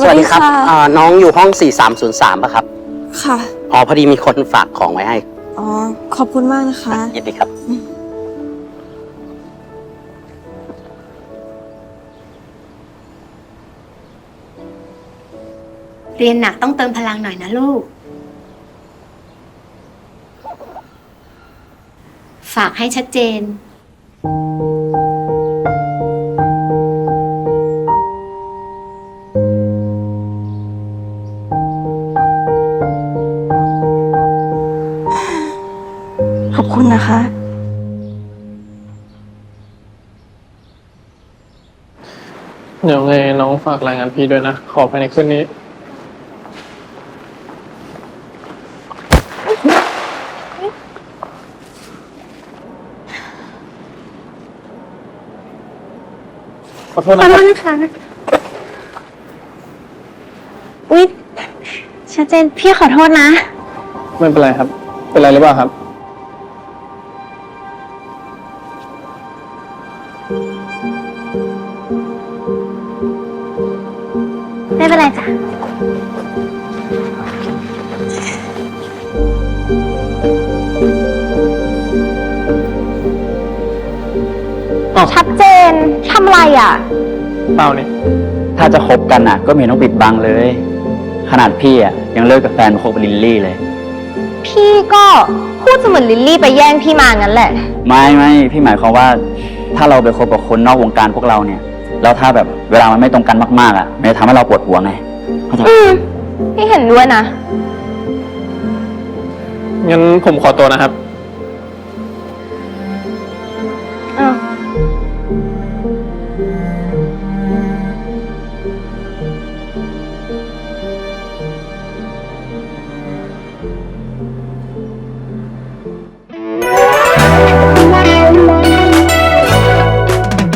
สวัสดีครับะน้องอยู่ห้อง 4303ป่ะครับค่ะอ๋อ พอดีมีคนฝากของไว้ให้อ๋อ ขอบคุณมากนะคะยินดีครับเรียนหนักต้องเติมพลังหน่อยนะลูก ฝากให้ชัดเจนขอบคุณนะคะเดี๋ยวไงน้องฝากรายงานพี่ด้วยนะ ขอภายในคืนนี้ ขอโทษนะครับนะคะอุ๊ยชัดเจนพี่ขอโทษนะไม่เป็นไรครับ เป็นไรหรือเปล่าครับไม่เป็นไรจ้ะ ชัดเจนทำไรอ่ะเปล่านี่ถ้าจะคบกันอ่ะ ก็ไม่เห็นต้องปิดบังเลย ขนาดพี่อ่ะยังเลิกกับแฟนมาคบกับลิลลี่เลยพี่ก็พูดเสมือนลิลลี่ไปแย่งพี่มางั้นแหละไม่พี่หมายความว่า ถ้าเราไปคบกับคนนอกวงการพวกเราเนี่ย แล้วถ้าแบบเวลามันไม่ตรงกันมากๆอ่ะมันจะทำให้เราปวดหัวไงเข้าใจไหมพี่เห็นด้วยนะงั้นผมขอตัวนะครับ